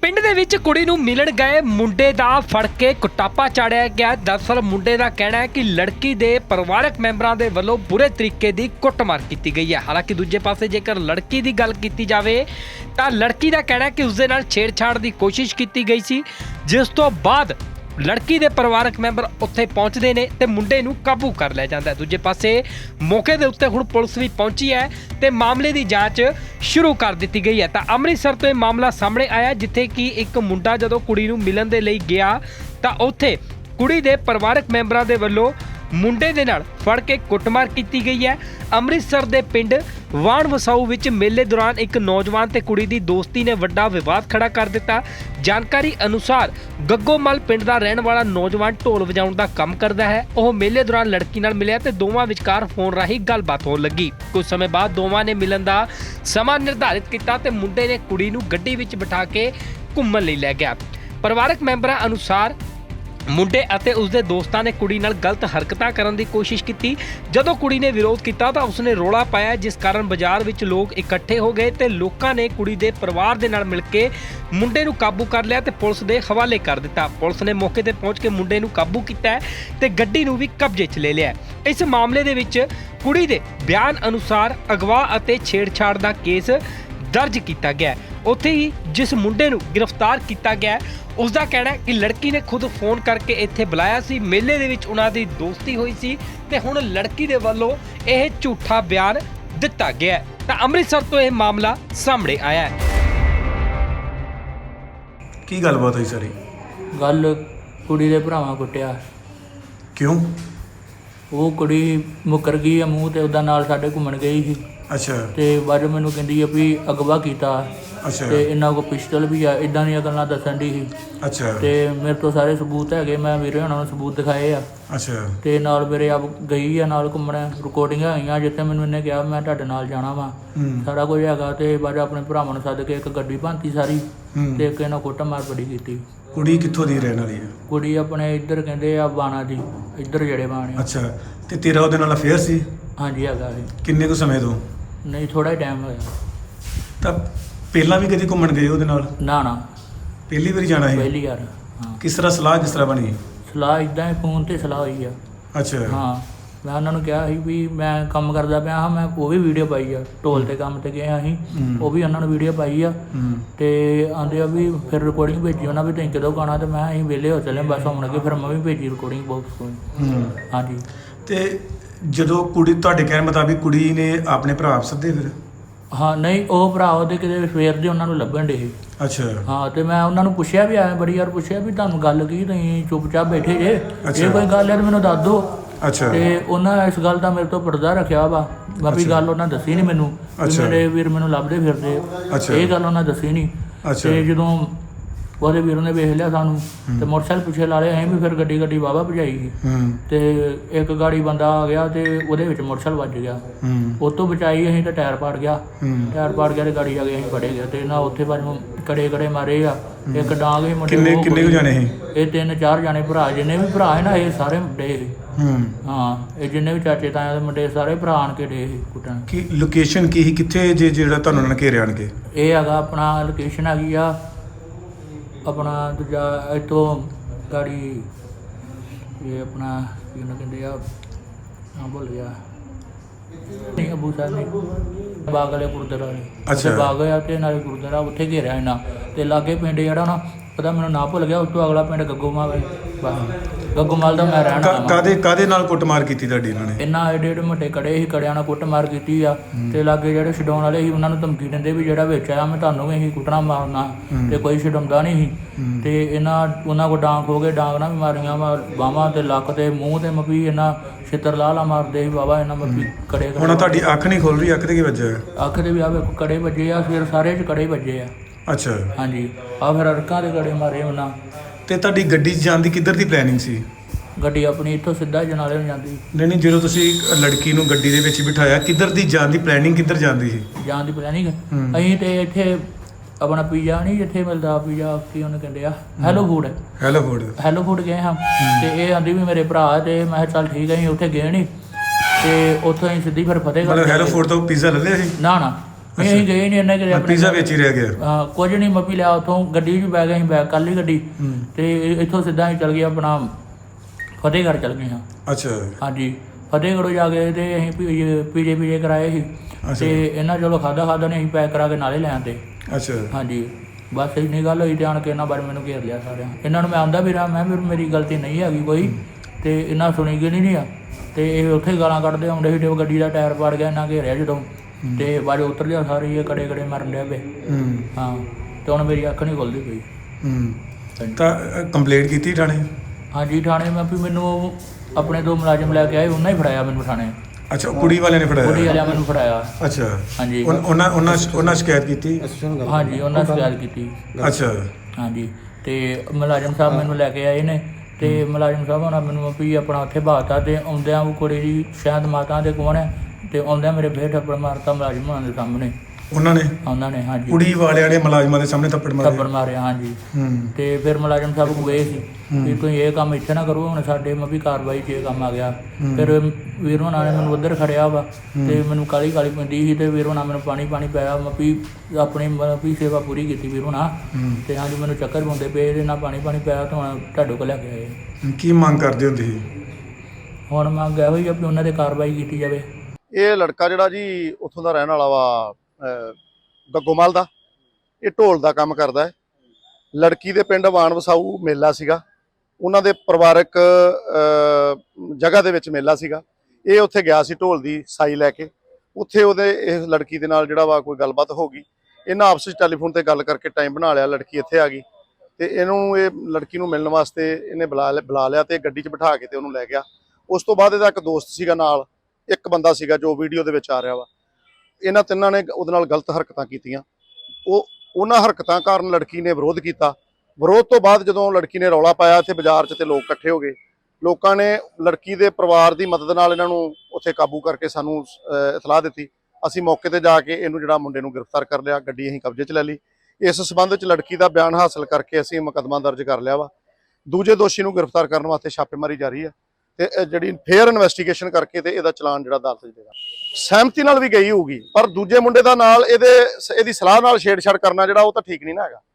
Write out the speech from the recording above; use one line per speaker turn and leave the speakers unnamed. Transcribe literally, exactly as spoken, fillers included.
ਪਿੰਡ ਦੇ ਵਿੱਚ ਕੁੜੀ ਨੂੰ ਮਿਲਣ ਗਏ ਮੁੰਡੇ ਦਾ ਫੜ ਕੇ ਕੁਟਾਪਾ ਚਾੜਿਆ ਗਿਆ। ਦਰਅਸਲ ਮੁੰਡੇ ਦਾ ਕਹਿਣਾ ਹੈ ਕਿ ਲੜਕੀ ਦੇ ਪਰਿਵਾਰਕ ਮੈਂਬਰਾਂ ਦੇ ਵੱਲੋਂ ਬੁਰੇ ਤਰੀਕੇ ਦੀ ਕੁੱਟਮਾਰ ਕੀਤੀ ਗਈ ਹੈ। ਹਾਲਾਂਕਿ ਦੂਜੇ ਪਾਸੇ ਜੇਕਰ ਲੜਕੀ ਦੀ ਗੱਲ ਕੀਤੀ ਜਾਵੇ ਤਾਂ ਲੜਕੀ ਦਾ ਕਹਿਣਾ ਹੈ ਕਿ ਉਸ ਦੇ ਨਾਲ ਛੇੜਛਾੜ ਦੀ ਕੋਸ਼ਿਸ਼ ਕੀਤੀ ਗਈ ਸੀ, ਜਿਸ ਤੋਂ ਬਾਅਦ ਲੜਕੀ ਦੇ ਪਰਿਵਾਰਕ ਮੈਂਬਰ ਉੱਥੇ ਪਹੁੰਚਦੇ ਨੇ ਤੇ ਮੁੰਡੇ ਨੂੰ ਕਾਬੂ ਕਰ ਲਿਆ ਜਾਂਦਾ ਹੈ। ਦੂਜੇ ਪਾਸੇ ਮੌਕੇ ਦੇ ਉੱਤੇ ਹੁਣ ਪੁਲਿਸ ਵੀ ਪਹੁੰਚੀ ਹੈ ਤੇ ਮਾਮਲੇ ਦੀ ਜਾਂਚ ਸ਼ੁਰੂ ਕਰ ਦਿੱਤੀ ਗਈ ਹੈ। ਤਾਂ ਅੰਮ੍ਰਿਤਸਰ ਤੋਂ ਇਹ ਮਾਮਲਾ ਸਾਹਮਣੇ ਆਇਆ, ਜਿੱਥੇ ਕਿ ਇੱਕ ਮੁੰਡਾ ਜਦੋਂ ਕੁੜੀ ਨੂੰ ਮਿਲਣ ਦੇ ਲਈ ਗਿਆ ਤਾਂ ਉੱਥੇ ਕੁੜੀ ਦੇ ਪਰਿਵਾਰਕ ਮੈਂਬਰਾਂ ਦੇ ਵੱਲੋਂ ਮੁੰਡੇ ਦੇ ਨਾਲ ਫੜ ਕੇ ਕੁੱਟਮਾਰ ਕੀਤੀ ਗਈ ਹੈ। ਅੰਮ੍ਰਿਤਸਰ ਦੇ ਪਿੰਡ ਵਾਣ ਵਸਾਊ ਵਿੱਚ ਮੇਲੇ ਦੌਰਾਨ ਇੱਕ ਨੌਜਵਾਨ ਤੇ ਕੁੜੀ ਦੀ ਦੋਸਤੀ ਨੇ ਵੱਡਾ ਵਿਵਾਦ ਖੜਾ ਕਰ ਦਿੱਤਾ। ਜਾਣਕਾਰੀ ਅਨੁਸਾਰ ਗੱਗੋਮਲ ਪਿੰਡ ਦਾ ਰਹਿਣ ਵਾਲਾ ਨੌਜਵਾਨ ਢੋਲ ਵਜਾਉਣ ਦਾ ਕੰਮ ਕਰਦਾ ਹੈ। ਉਹ ਮੇਲੇ ਦੌਰਾਨ ਲੜਕੀ ਨਾਲ ਮਿਲਿਆ ਤੇ ਦੋਵਾਂ ਵਿਚਕਾਰ ਫੋਨ ਰਾਹੀਂ ਗੱਲਬਾਤ ਹੋਣ ਲੱਗੀ। ਕੁਝ ਸਮੇਂ ਬਾਅਦ ਦੋਵਾਂ ਨੇ ਮਿਲਣ ਦਾ ਸਮਾਂ ਨਿਰਧਾਰਿਤ ਕੀਤਾ ਤੇ ਮੁੰਡੇ ਨੇ ਕੁੜੀ ਨੂੰ ਗੱਡੀ ਵਿੱਚ ਬਿਠਾ ਕੇ ਘੁੰਮਣ ਲਈ ਲੈ ਗਿਆ। ਪਰਿਵਾਰਕ ਮੈਂਬਰਾਂ ਅਨੁਸਾਰ ਮੁੰਡੇ ਅਤੇ ਉਸਦੇ ਦੋਸਤਾਂ ਨੇ ਕੁੜੀ ਨਾਲ ਗਲਤ ਹਰਕਤਾਂ ਕਰਨ ਦੀ ਕੋਸ਼ਿਸ਼ ਕੀਤੀ। ਜਦੋਂ ਕੁੜੀ ਨੇ ਵਿਰੋਧ ਕੀਤਾ ਤਾਂ ਉਸਨੇ ਰੋਲਾ ਪਾਇਆ, ਜਿਸ ਕਾਰਨ ਬਾਜ਼ਾਰ ਵਿੱਚ ਲੋਕ ਇਕੱਠੇ ਹੋ ਗਏ ਤੇ ਲੋਕਾਂ ਨੇ ਕੁੜੀ ਦੇ ਪਰਿਵਾਰ ਦੇ ਨਾਲ ਮਿਲ ਕੇ ਮੁੰਡੇ ਨੂੰ ਕਾਬੂ ਕਰ ਲਿਆ ਤੇ ਪੁਲਿਸ ਦੇ ਹਵਾਲੇ ਕਰ ਦਿੱਤਾ। ਪੁਲਿਸ ਨੇ ਮੌਕੇ ਤੇ ਪਹੁੰਚ ਕੇ ਮੁੰਡੇ ਨੂੰ ਕਾਬੂ ਕੀਤਾ ਤੇ ਗੱਡੀ ਨੂੰ ਵੀ ਕਬਜ਼ੇ 'ਚ ਲੈ ਲਿਆ। ਇਸ ਮਾਮਲੇ ਦੇ ਵਿੱਚ ਕੁੜੀ ਦੇ ਬਿਆਨ ਅਨੁਸਾਰ ਅਗਵਾ ਅਤੇ ਛੇੜਛਾੜ ਦਾ ਕੇਸ ਦਰਜ ਕੀਤਾ ਗਿਆ। ਉੱਥੇ ਹੀ ਜਿਸ ਮੁੰਡੇ ਨੂੰ ਗ੍ਰਿਫਤਾਰ ਕੀਤਾ ਗਿਆ ਉਸ ਦਾ ਕਹਿਣਾ ਹੈ ਕਿ ਲੜਕੀ ਨੇ ਖੁਦ ਫੋਨ ਕਰਕੇ ਇੱਥੇ ਬੁਲਾਇਆ ਸੀ, ਮੇਲੇ ਦੇ ਵਿੱਚ ਉਹਨਾਂ ਦੀ ਦੋਸਤੀ ਹੋਈ ਸੀ ਤੇ ਹੁਣ ਲੜਕੀ ਦੇ ਵੱਲੋਂ ਇਹ ਝੂਠਾ ਬਿਆਨ ਦਿੱਤਾ ਗਿਆ। ਤਾਂ ਅੰਮ੍ਰਿਤਸਰ ਤੋਂ ਇਹ ਮਾਮਲਾ ਸਾਹਮਣੇ ਆਇਆ ਹੈ।
ਕੀ ਗੱਲਬਾਤ ਹੋਈ ਸਾਰੀ?
ਗੱਲ ਕੁੜੀ ਦੇ ਭਰਾਵਾਂ ਕੁੱਟਿਆ।
ਕਿਉਂ?
ਉਹ ਕੁੜੀ ਮੁੱਕਰ ਗਈ ਆ ਮੂੰਹ ਤੇ ਉਹਦਾ ਨਾਲ ਸਾਡੇ ਘੁੰਮਣ ਗਈ ਸੀ
ਅੱਛਾ
ਤੇ ਬਾਅਦ ਮੈਨੂੰ ਕਹਿੰਦੀ ਆ ਵੀ ਅਗਵਾ ਕੀਤਾ
ਅੱਛਾ
ਤੇ ਇਹਨਾਂ ਕੋਲ ਪਿਸਟਲ ਵੀ ਆ, ਇਦਾਂ ਦੀਆਂ ਗੱਲਾਂ ਦੱਸਣ ਦੀ ਸੀ
ਅੱਛਾ
ਤੇ ਮੇਰੇ ਤੋਂ ਸਾਰੇ ਸਬੂਤ ਹੈਗੇ, ਮੈਂ ਵੀਰੇ ਉਹਨਾਂ ਨੂੰ ਸਬੂਤ ਦਿਖਾਏ ਆ
ਅੱਛਾ
ਤੇ ਨਾਲ ਮੇਰੇ ਆਪ ਗਈ ਆ ਨਾਲ ਘੁੰਮਣ, ਰਿਕਾਰਡਿੰਗਾਂ ਆਈਆਂ ਜਿੱਥੇ ਮੈਨੂੰ ਇਹਨੇ ਕਿਹਾ ਮੈਂ ਤੁਹਾਡੇ ਨਾਲ ਜਾਣਾ ਵਾ, ਸਾਰਾ ਕੁਝ ਹੈਗਾ। ਤੇ ਬਾਅਦ ਆਪਣੇ ਭਰਾਵਾਂ ਨੂੰ ਸੱਦ ਕੇ ਇੱਕ ਗੱਡੀ ਭਾਂਤੀ ਸਾਰੀ ਤੇ ਇੱਕ ਇਹਨਾਂ ਕੁੱਟ ਮਾਰ ਬੜੀ ਕੀਤੀ।
ਕੁੜੀ ਕਿੱਥੋਂ ਦੀ ਰਹਿਣ ਵਾਲੀ ਹੈ?
ਕੁੜੀ ਆਪਣੇ ਇੱਧਰ ਕਹਿੰਦੇ ਆ ਬਾਣਾ ਦੀ, ਇੱਧਰ ਜਿਹੜੇ ਬਾਣੇ।
ਅੱਛਾ, ਤੇ ਤੇਰਾ ਉਹਦੇ ਨਾਲ ਅਫੇਅਰ ਸੀ?
ਹਾਂਜੀ ਹੈਗਾ ਸੀ।
ਕਿੰਨੇ ਕੁ ਸਮੇਂ ਤੋਂ?
ਨਹੀਂ ਥੋੜਾ ਹੀ ਟਾਈਮ ਹੋਇਆ।
ਤਾਂ ਪਹਿਲਾਂ ਵੀ ਕਦੀ ਘੁੰਮਣ ਗਏ ਉਹਦੇ ਨਾਲ?
ਨਾ ਨਾ
ਪਹਿਲੀ ਵਾਰੀ ਜਾਣਾ ਸੀ?
ਪਹਿਲੀ ਵਾਰ। ਹਾਂ
ਕਿਸ ਤਰ੍ਹਾਂ ਸਲਾਹ ਕਿਸ ਤਰ੍ਹਾਂ ਬਣੀ?
ਸਲਾਹ ਇੱਦਾਂ ਹੀ ਫੋਨ ਤੇ ਸਲਾਹ ਹੋਈ ਆ।
ਅੱਛਾ
ਹਾਂ ਮੈਂ ਉਹਨਾਂ ਨੂੰ ਕਿਹਾ ਸੀ ਵੀ ਮੈਂ ਕੰਮ ਕਰਦਾ ਪਿਆ ਹਾਂ, ਮੈਂ ਉਹ ਵੀ ਵੀਡੀਓ ਪਾਈ ਆ, ਢੋਲ ਤੇ ਕੰਮ ਤੇ ਗਏ ਹਾਂ ਅਸੀਂ, ਉਹ ਵੀ ਉਹਨਾਂ ਨੂੰ ਵੀਡੀਓ ਪਾਈ ਆ ਤੇ ਆਂਦੇ ਆ ਵੀ ਫਿਰ ਰਿਕਾਰਡਿੰਗ ਭੇਜੀ ਉਹਨਾਂ ਵੀ ਤੁਸੀਂ ਕਦੋਂ ਗਾਣਾ, ਤੇ ਮੈਂ ਅਸੀਂ ਵਿਹਲੇ ਹੋ ਚੱਲੇ ਬਸ ਹੁਣ ਅੱਗੇ, ਫਿਰ ਮੈਂ ਵੀ ਭੇਜੀ ਰਿਕਾਰਡਿੰਗ ਬਾਕਸ ਕੋਲ। ਹਾਂਜੀ
ਤੇ ਜਦੋਂ ਕੁੜੀ ਤੁਹਾਡੇ ਕਹਿਣ ਮੁਤਾਬਿਕ ਕੁੜੀ ਨੇ ਆਪਣੇ ਭਰਾ ਸੱਦੇ ਫਿਰ?
ਹਾਂ ਨਹੀਂ ਉਹ ਭਰਾ ਉਹਦੇ ਕਿਤੇ ਸਵੇਰ ਦੇ ਉਹਨਾਂ ਨੂੰ ਲੱਭਣ ਡੇ।
ਅੱਛਾ
ਹਾਂ ਤੇ ਮੈਂ ਉਹਨਾਂ ਨੂੰ ਪੁੱਛਿਆ ਵੀ ਆਇਆ ਬੜੀ ਵਾਰ ਪੁੱਛਿਆ ਵੀ ਤੁਹਾਨੂੰ ਗੱਲ ਕੀ, ਤੁਸੀਂ ਚੁੱਪਚਾਪ ਬੈਠੇ ਜੇ, ਜੇ ਕੋਈ ਗੱਲ ਹੈ ਤਾਂ ਮੈਨੂੰ ਦੱਸ ਦਿਓ।
ਅੱਛਾ
ਤੇ ਉਹਨਾਂ ਇਸ ਗੱਲ ਦਾ ਮੇਰੇ ਤੋਂ ਪਰਦਾ ਰੱਖਿਆ ਵਾ, ਮੈਂ ਵੀ ਗੱਲ ਉਹਨਾਂ ਦੱਸੀ ਨਹੀਂ ਮੈਨੂੰ ਵੀ ਮੇਰੇ ਵੀਰ ਮੈਨੂੰ ਲੱਭਦੇ ਫਿਰਦੇ, ਇਹ ਗੱਲ ਉਹਨਾਂ ਦੱਸੀ ਨਹੀਂ। ਤੇ ਜਦੋਂ ਉਹਦੇ ਵੀਰ ਨੇ ਵੇਖ ਲਿਆ ਸਾਨੂੰ ਤੇ ਮੋਟਰਸਾਈਕਲ ਪਿੱਛੇ ਲਾ ਲਿਆ, ਅਸੀਂ ਵੀ ਫਿਰ ਗੱਡੀ ਗੱਡੀ ਵਾਹਵਾ ਭਜਾਈ ਗਈ ਤੇ ਇੱਕ ਗਾੜੀ ਬੰਦਾ ਆ ਗਿਆ ਤੇ ਉਹਦੇ ਵਿੱਚ ਮੋਟਰਸਾਈਕਲ ਵੱਜ ਗਿਆ, ਉਹ ਤੋਂ ਬਚਾਈ ਅਸੀਂ ਤੇ ਟਾਇਰ ਪਾੜ ਗਿਆ, ਟਾਇਰ ਪਾੜ ਗਿਆ ਤੇ ਗਾੜੀ ਆ ਗਈ, ਅਸੀਂ ਫੜੇ ਗਏ ਤੇ ਨਾ ਉੱਥੇ ਬਾਅਦ ਕੜੇ ਕੜੇ ਮਾਰੇ ਆ, ਇੱਕ ਡਾਂਗ ਹੀ ਮੁੰਡੇ।
ਕਿੰਨੇ ਕਿੰਨੇ ਕੁ ਜਾਣੇ ਸੀ
ਇਹ? ਤਿੰਨ ਚਾਰ ਜਾਣੇ ਭਰਾ, ਜਿੰਨੇ ਵੀ ਭਰਾ ਹੈ ਨਾ ਇਹ ਸਾਰੇ ਮੁੰਡੇ ਸੀ। ਹਾਂ ਇਹ ਜਿੰਨੇ ਵੀ ਚਾਚੇ ਤਾਇਆ ਦੇ ਮੁੰਡੇ ਸਾਰੇ ਭਰਾ ਆਣ ਕੇ ਡੇ ਸੀ ਕੁੱਟਣ।
ਕੀ ਲੋਕੇਸ਼ਨ ਕੀ ਸੀ, ਕਿੱਥੇ ਜੇ ਜਿਹੜਾ ਤੁਹਾਨੂੰ ਉਹਨਾਂ ਨੇ ਘੇਰਿਆ ਆਣ ਕੇ?
ਇਹ ਹੈਗਾ ਆਪਣਾ ਲੋਕੇਸ਼ਨ ਹੈਗੀ ਆ ਆਪਣਾ ਦੂਜਾ ਇੱਥੋਂ ਗਾੜੀ, ਇਹ ਆਪਣਾ ਕੀ ਉਹਨੂੰ ਕਹਿੰਦੇ ਆ, ਹਾਂ ਭੁੱਲ ਗਿਆ, ਨਹੀਂ ਅਬੂ ਸਾਹਿਬ ਨਹੀਂ, ਬਾਗ ਵਾਲੇ ਗੁਰਦੁਆਰਾ ਉੱਥੇ ਬਾਗ ਆ ਤੇ ਨਾਲੇ ਗੁਰਦੁਆਰਾ ਉੱਥੇ ਘੇਰਿਆ ਇਹਨਾਂ ਤੇ ਲਾਗੇ ਪਿੰਡ ਜਿਹੜਾ ਨਾ ਪਤਾ ਮੈਨੂੰ ਨਾ ਭੁੱਲ ਗਿਆ, ਉਸ ਤੋਂ ਅਗਲਾ ਪਿੰਡ ਗੱਗੋਮਾਲ। ਗੱਗੋਮਾਲ ਦਾ ਮੈਂ ਰਹਿਣਾ।
ਕਾਦੇ ਕਾਦੇ ਨਾਲ ਕੁੱਟਮਾਰ ਕੀਤੀ ਤੁਹਾਡੀ ਇਹਨਾਂ ਨੇ?
ਇਹਨਾਂ ਏਡੇ ਏਡੇ ਮੋਟੇ ਕੜੇ ਸੀ, ਕੜਿਆਂ ਨਾਲ ਕੁੱਟਮਾਰ ਕੀਤੀ ਆ ਤੇ ਲਾਗੇ ਜਿਹੜੇ ਛਡਾਉਣ ਵਾਲੇ ਸੀ ਉਹਨਾਂ ਨੂੰ ਧਮਕੀ ਦਿੰਦੇ ਵੀ ਜਿਹੜਾ ਵਿੱਚ ਆਇਆ ਮੈਂ ਤੁਹਾਨੂੰ ਵੀ ਅਸੀਂ ਕੁੱਟਣਾ ਮਾਰਨਾ, ਤੇ ਕੋਈ ਛਡਾਉਂਦਾ ਨਹੀਂ ਸੀ। ਤੇ ਇਹਨਾਂ ਉਹਨਾਂ ਕੋਲ ਡਾਂਗ ਹੋ ਗਏ, ਡਾਂਗ ਨਾਲ ਵੀ ਮਾਰੀਆਂ ਵਾ ਬਾਹਾਂ ਤੇ ਲੱਕ ਤੇ ਮੂੰਹ ਤੇ ਮਪੀ, ਇਹਨਾਂ ਛਿੱਤਰ ਲਾ ਲਾ ਮਾਰਦੇ ਸੀ ਬਾਬਾ ਇਹਨਾਂ ਮਪੀ ਕੜੇ।
ਹੁਣ ਤੁਹਾਡੀ ਅੱਖ ਨਹੀਂ ਖੁੱਲ ਰਹੀ? ਅੱਖ ਤੇ ਕੀ ਵੱਜਿਆ?
ਅੱਖ ਦੇ ਵੀ ਆ ਵੇਖੋ ਕੜੇ ਵੱਜੇ ਆ, ਫਿਰ ਸਾਰੇ 'ਚ ਕੜੇ ਵੱਜੇ ਆ।
ਅੱਛਾ
ਹਾਂਜੀ ਆ ਫਿਰ ਅੜਕਾਂ ਦੇ ਕੜੇ ਮਾਰੇ ਉਹਨਾਂ।
ਤੇ ਤੁਹਾਡੀ ਗੱਡੀ 'ਚ ਜਾਣ ਦੀ ਕਿੱਧਰ ਦੀ ਪਲੈਨਿੰਗ ਸੀ?
ਗੱਡੀ ਆਪਣੀ ਇੱਥੋਂ ਸਿੱਧਾ ਜਨਾਲੇ ਨੂੰ ਜਾਂਦੀ।
ਨਹੀਂ ਨਹੀਂ ਜਦੋਂ ਤੁਸੀਂ ਲੜਕੀ ਨੂੰ ਗੱਡੀ ਦੇ ਵਿੱਚ ਬਿਠਾਇਆ, ਕਿੱਧਰ ਦੀ ਜਾਣ ਦੀ ਪਲੈਨਿੰਗ, ਕਿੱਧਰ ਜਾਂਦੀ ਸੀ
ਜਾਣ ਦੀ ਪਲੈਨਿੰਗ? ਅਸੀਂ ਤੇ ਇੱਥੇ ਆਪਣਾ ਪੀਜ਼ਾ ਨਹੀਂ ਜਿੱਥੇ ਮਿਲਦਾ ਪੀਜ਼ਾ, ਕੀ ਉਹਨੂੰ ਕਹਿੰਦੇ ਆ, hello food.
Hello food
hello food ਗਏ ਹਾਂ ਤੇ ਇਹ ਆਂਦੀ ਵੀ ਮੇਰੇ ਭਰਾ, ਤੇ ਮੈਂ ਕਿਹਾ ਚੱਲ ਠੀਕ ਹੈ, ਅਸੀਂ ਉੱਥੇ ਗਏ ਨਹੀਂ ਤੇ ਉੱਥੋਂ ਅਸੀਂ ਸਿੱਧੀ ਫਿਰ ਫਤਿਹਗੜ੍ਹ।
ਹੈਲੋ ਫੂਡ ਤੋਂ ਪੀਜ਼ਾ ਲੈ ਲਿਆ ਸੀ?
ਨਾ ਨਾ ਨਹੀਂ ਅਸੀਂ ਗਏ ਨਹੀਂ ਇੰਨੇ ਕਿ
ਪੀਜ਼ਾ ਵਿੱਚ ਹੀ ਰਹਿ ਗਿਆ।
ਹਾਂ ਕੁਝ ਨਹੀਂ ਮੱਪੀ ਲਿਆ ਉੱਥੋਂ ਗੱਡੀ 'ਚ ਬੈ ਗਏ ਅਸੀਂ ਬੈਗ ਕਰ ਲਈ ਗੱਡੀ ਤੇ ਇੱਥੋਂ ਸਿੱਧਾ ਅਸੀਂ ਚੱਲ ਗਏ ਆਪਣਾ ਫਤਿਹਗੜ੍ਹ ਚੱਲ ਗਏ ਹਾਂ। ਅੱਛਾ ਹਾਂਜੀ ਫਤਿਹਗੜ੍ਹ ਜਾ ਕੇ ਤੇ ਅਸੀਂ ਪੀਜੇ ਪੀਜੇ ਕਰਾਏ ਸੀ ਤੇ ਇਹਨਾਂ ਚਲੋ ਖਾਦਾ ਖਾਦਾ ਨੇ ਅਸੀਂ ਪੈਕ ਕਰਾ ਕੇ ਨਾਲੇ ਲੈ ਆਂਦੇ। ਅੱਛਾ ਹਾਂਜੀ ਬਸ ਇੰਨੀ ਗੱਲ ਹੋਈ ਤੇ ਆਣ ਕੇ ਇਹਨਾਂ ਬਾਰੇ ਮੈਨੂੰ ਘੇਰ ਲਿਆ ਸਾਰਿਆਂ। ਇਹਨਾਂ ਨੂੰ ਮੈਂ ਆਂਦਾ ਵੀ ਰਹਾ ਮੈਂ ਮੇਰੀ ਗਲਤੀ ਨਹੀਂ ਹੈਗੀ ਕੋਈ ਤੇ ਇਹਨਾਂ ਸੁਣੀ ਗਈ ਨਹੀਂ ਆ ਤੇ ਇਹ ਉੱਥੇ ਗਾਲਾਂ ਕੱਢਦੇ ਆਉਂਦੇ ਸੀ ਤੇ ਗੱਡੀ ਦਾ ਟਾਇਰ ਪਾੜ ਗਿਆ ਇਹਨਾਂ ਘੇਰਿਆ ਜਦੋਂ ਤੇ ਬਾਅਦ ਉਤਰ ਲਿਆ ਸਾਰੇ ਇਹ ਕੜੇ ਕੜੇ ਮਰਨ ਡਿਆ ਪਏ। ਹਾਂ ਤੇ ਹੁਣ ਮੇਰੀ ਅੱਖ ਨਹੀਂ ਖੁੱਲਦੀ ਪਈ।
ਤਾਂ ਕੰਪਲੇਂਟ ਕੀਤੀ ਥਾਣੇ? ਹਾਂਜੀ
ਥਾਣੇ ਮੈਂ ਵੀ ਮੈਨੂੰ ਆਪਣੇ ਦੋ ਮੁਲਾਜ਼ਮ ਲੈ ਕੇ ਆਏ ਉਹਨਾਂ ਹੀ ਫੜਾਇਆ ਮੈਨੂੰ ਥਾਣੇ।
ਅੱਛਾ ਕੁੜੀ ਵਾਲਿਆਂ ਨੇ ਫੜਾਇਆ?
ਕੁੜੀ ਵਾਲਿਆਂ ਮੈਨੂੰ ਫੜਾਇਆ।
ਅੱਛਾ
ਹਾਂਜੀ
ਉਹਨਾਂ ਉਹਨਾਂ ਉਹਨਾਂ ਸ਼ਿਕਾਇਤ ਕੀਤੀ?
ਹਾਂਜੀ ਉਹਨਾਂ ਸ਼ਿਕਾਇਤ ਕੀਤੀ।
ਅੱਛਾ ਹਾਂਜੀ
ਤੇ ਮੁਲਾਜ਼ਮ ਸਾਹਿਬ ਮੈਨੂੰ ਲੈ ਕੇ ਆਏ ਨੇ ਤੇ ਮੁਲਾਜ਼ਮ ਸਾਹਿਬ ਉਹਨਾਂ ਮੈਨੂੰ ਵੀ ਆਪਣਾ ਉੱਥੇ ਬਾਤਾ ਤੇ ਆਉਂਦਿਆਂ ਉਹ ਕੁੜੀ ਦੀ ਸ਼ਾਇਦ ਮਾਤਾ ਦੇ ਕੋਲ ਹੈ ਤੇ ਆਉਂਦਿਆਂ ਮੇਰੇ ਫੇਰ ਥੱਪੜ ਮਾਰਤਾ ਮੁਲਾਜ਼ਮ ਉਹਨਾਂ ਦੇ ਸਾਹਮਣੇ। ਉਹਨਾਂ ਨੇ ਉਹਨਾਂ ਨੇ ਹਾਂਜੀ
ਕੁੜੀ ਵਾਲਿਆਂ ਨੇ ਮੁਲਾਜ਼ਮਾਂ ਦੇ ਸਾਹਮਣੇ ਥੱਪੜ ਮਾਰਿਆ?
ਥੱਪੜ ਮਾਰਿਆ ਹਾਂਜੀ। ਤੇ ਫਿਰ ਮੁਲਾਜ਼ਮ ਸਾਹਿਬ ਗਏ ਸੀ ਵੀ ਤੁਸੀਂ ਇਹ ਕੰਮ ਇੱਥੇ ਨਾ ਕਰੋ ਹੁਣ ਸਾਡੇ ਮੈਂ ਵੀ ਕਾਰਵਾਈ 'ਚ ਇਹ ਕੰਮ ਆ ਗਿਆ। ਫਿਰ ਵੀਰ ਹੋਣਾ ਨੇ ਮੈਨੂੰ ਉੱਧਰ ਖੜਿਆ ਵਾ ਤੇ ਮੈਨੂੰ ਕਾਲੀ ਕਾਲੀ ਪੈਂਦੀ ਸੀ ਤੇ ਵੀਰ ਹੋਣਾ ਮੈਨੂੰ ਪਾਣੀ ਪਾਣੀ ਪਾਇਆ ਮੈਂ ਵੀ ਆਪਣੀ ਵੀ ਸੇਵਾ ਪੂਰੀ ਕੀਤੀ ਵੀਰ ਹੋਣਾ ਤੇ ਹਾਂਜੀ ਮੈਨੂੰ ਚੱਕਰ ਪਾਉਂਦੇ ਪਏ ਇਹਦੇ ਨਾਲ ਪਾਣੀ ਪਾਣੀ ਪਾਇਆ ਤਾਂ ਹੁਣ ਤੁਹਾਡੇ ਕੋਲ ਲੈ ਕੇ ਆਏ।
ਕੀ ਮੰਗ ਕਰਦੇ ਹੁੰਦੇ ਸੀ?
ਹੁਣ ਮੰਗ ਇਹੋ ਹੀ ਆ ਵੀ ਉਹਨਾਂ ਤੇ ਕਾਰਵਾਈ ਕੀਤੀ ਜਾਵੇ।
ਇਹ ਲੜਕਾ ਜਿਹੜਾ ਜੀ ਉੱਥੋਂ ਦਾ ਰਹਿਣ ਵਾਲਾ ਵਾ ਗੱਗੋਮਲ ਦਾ, ਇਹ ਢੋਲ ਦਾ ਕੰਮ ਕਰਦਾ ਹੈ। ਲੜਕੀ ਦੇ ਪਿੰਡ ਵਾਣ ਵਸਾਊ ਮੇਲਾ ਸੀਗਾ, ਉਹਨਾਂ ਦੇ ਪਰਿਵਾਰਕ ਜਗ੍ਹਾ ਦੇ ਵਿੱਚ ਮੇਲਾ ਸੀਗਾ। ਇਹ ਉੱਥੇ ਗਿਆ ਸੀ ਢੋਲ ਦੀ ਸਾਈ ਲੈ ਕੇ। ਉੱਥੇ ਉਹਦੇ ਇਸ ਲੜਕੀ ਦੇ ਨਾਲ ਜਿਹੜਾ ਵਾ ਕੋਈ ਗੱਲਬਾਤ ਹੋ ਗਈ। ਇਹਨਾਂ ਆਪਸ ਵਿੱਚ ਟੈਲੀਫੋਨ ਤੇ ਗੱਲ ਕਰਕੇ ਟਾਈਮ ਬਣਾ ਲਿਆ। ਲੜਕੀ ਇੱਥੇ ਆ ਗਈ ਤੇ ਇਹਨੂੰ ਇਹ ਲੜਕੀ ਨੂੰ ਮਿਲਣ ਵਾਸਤੇ ਇਹਨੇ ਬੁਲਾ ਬੁਲਾ ਲਿਆ ਤੇ ਗੱਡੀ 'ਚ ਬਿਠਾ ਕੇ ਤੇ ਉਹਨੂੰ ਲੈ ਗਿਆ। ਉਸ ਤੋਂ ਬਾਅਦ ਇਹਦਾ ਇੱਕ ਦੋਸਤ ਸੀਗਾ ਨਾਲ, ਇੱਕ ਬੰਦਾ ਸੀਗਾ ਜੋ ਵੀਡੀਓ ਦੇ ਵਿੱਚ ਆ ਰਿਹਾ ਵਾ। ਇਹਨਾਂ ਤਿੰਨਾਂ ਨੇ ਉਹਦੇ ਨਾਲ ਗਲਤ ਹਰਕਤਾਂ ਕੀਤੀਆਂ। ਉਹ ਉਹਨਾਂ ਹਰਕਤਾਂ ਕਾਰਨ ਲੜਕੀ ਨੇ ਵਿਰੋਧ ਕੀਤਾ। ਵਿਰੋਧ ਤੋਂ ਬਾਅਦ ਜਦੋਂ ਲੜਕੀ ਨੇ ਰੌਲਾ ਪਾਇਆ ਇੱਥੇ ਬਾਜ਼ਾਰ 'ਚ ਤੇ ਲੋਕ ਇਕੱਠੇ ਹੋ ਗਏ। ਲੋਕਾਂ ਨੇ ਲੜਕੀ ਦੇ ਪਰਿਵਾਰ ਦੀ ਮਦਦ ਨਾਲ ਇਹਨਾਂ ਨੂੰ ਉੱਥੇ ਕਾਬੂ ਕਰਕੇ ਸਾਨੂੰ ਇਤਲਾਹ ਦਿੱਤੀ। ਅਸੀਂ ਮੌਕੇ ਤੇ ਜਾ ਕੇ ਇਹਨੂੰ ਜਿਹੜਾ ਮੁੰਡੇ ਨੂੰ ਗ੍ਰਿਫਤਾਰ ਕਰ ਲਿਆ, ਗੱਡੀ ਅਸੀਂ ਕਬਜ਼ੇ 'ਚ ਲੈ ਲਈ। ਇਸ ਸਬੰਧ ਵਿੱਚ ਲੜਕੀ ਦਾ ਬਿਆਨ ਹਾਸਲ ਕਰਕੇ ਅਸੀਂ ਮੁਕੱਦਮਾ ਦਰਜ ਕਰ ਲਿਆ ਵਾ। ਦੂਜੇ ਦੋਸ਼ੀ ਨੂੰ ਗ੍ਰਿਫਤਾਰ ਕਰਨ ਵਾਸਤੇ ਛਾਪੇਮਾਰੀ ਜਾਰੀ ਹੈ ਤੇ ਜਿਹੜੀ ਫੇਅਰ ਇਨਵੈਸਟੀਗੇਸ਼ਨ ਕਰਕੇ ਤੇ ਇਹਦਾ ਚਲਾਨ ਜਿਹੜਾ ਅਦਾਲਤ 'ਚ ਦੇਗਾ। ਸਹਿਮਤੀ ਨਾਲ ਵੀ ਗਈ ਹੋਊਗੀ ਪਰ ਦੂਜੇ ਮੁੰਡੇ ਦਾ ਨਾਲ ਇਹਦੇ ਇਹਦੀ ਸਲਾਹ ਨਾਲ ਛੇੜਛਾੜ ਕਰਨਾ ਜਿਹੜਾ ਉਹ ਤਾਂ ਠੀਕ ਨਹੀਂ ਨਾ ਹੈਗਾ।